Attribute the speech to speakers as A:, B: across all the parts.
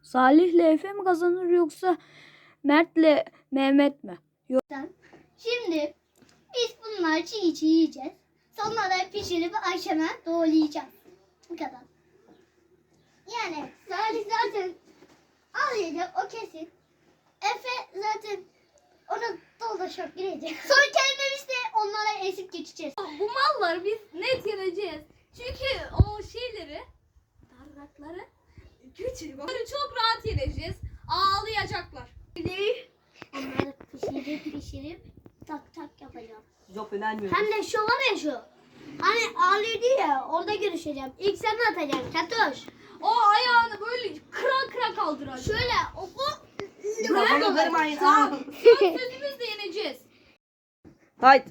A: Salih'le Efe mi kazanır yoksa Mert'le Mehmet mi?
B: Şimdi biz bunları çiğ çiğ yiyeceğiz. Sonra da pişirip akşama doğrayacağız. Bu kadar. Yani Salih zaten ağlayacak, o kesin. Efe zaten ona dolaşıp girecek. Son kelimemiz de onlara esip geçeceğiz.
C: Bu malları biz net yeneceğiz. Çünkü o şeyleri, darrakları küçük. Onları çok rahat yeneceğiz. Ağlayacaklar.
B: Onları pişirip tak tak yapacağım.
D: Yok önermiyorum.
B: Hem de şu var ya şu. Hani ağlıyordu ya, orada görüşeceğim. İlk sen atacaksın Katoş.
C: O ayağını böyle kıra kıra kaldıracak.
B: Şöyle oku.
D: Kafanı kırmayın.
C: Tamam. Söz sözümüzle yeneceğiz.
D: Haydi.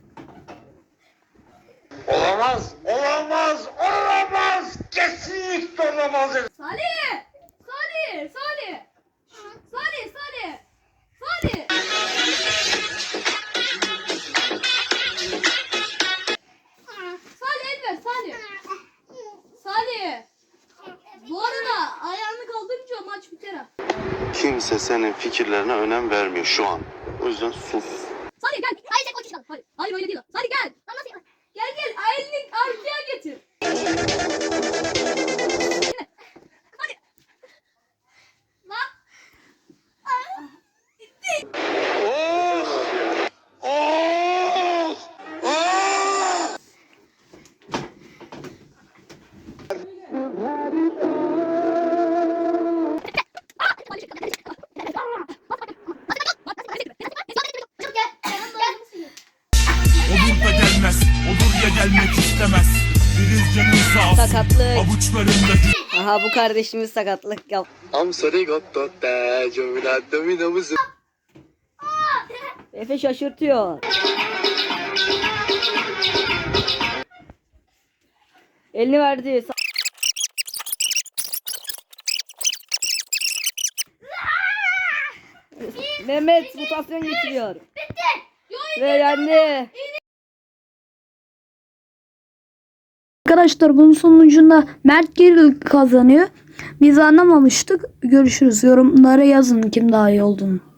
E: Olamaz, olamaz, olamaz. Kesinlikle olamaz.
C: Salih! Salih! Salih! Salih! Salih! Salih! Salih el ver Salih. Salih! Bu arada ayağını kaldırınca maç biter ha.
F: Kimse senin fikirlerine önem vermiyor şu an. O yüzden sus.
C: Salih gel. Hayır sen koç Hayır. Hayır öyle değil. Salih gel. Gel gel. Elini arkaya getir. Hadi. Lan.
E: Oh! Oh! Oh!
G: Olur da gelmez, olur ya gelmek istemez. Deniz canın sağ olsun.
D: Sakatlık.
G: Avuçlarında
D: Aha bu kardeşimiz sakatlık yap. Efe şaşırtıyor. Elini verdi. Mehmet mutasyon geçiriyor. Ve yendi.
A: Arkadaşlar bunun sonucunda Mert geri kazanıyor. Biz anlamamıştık. Görüşürüz. Yorumlara yazın kim daha iyi olduğunu.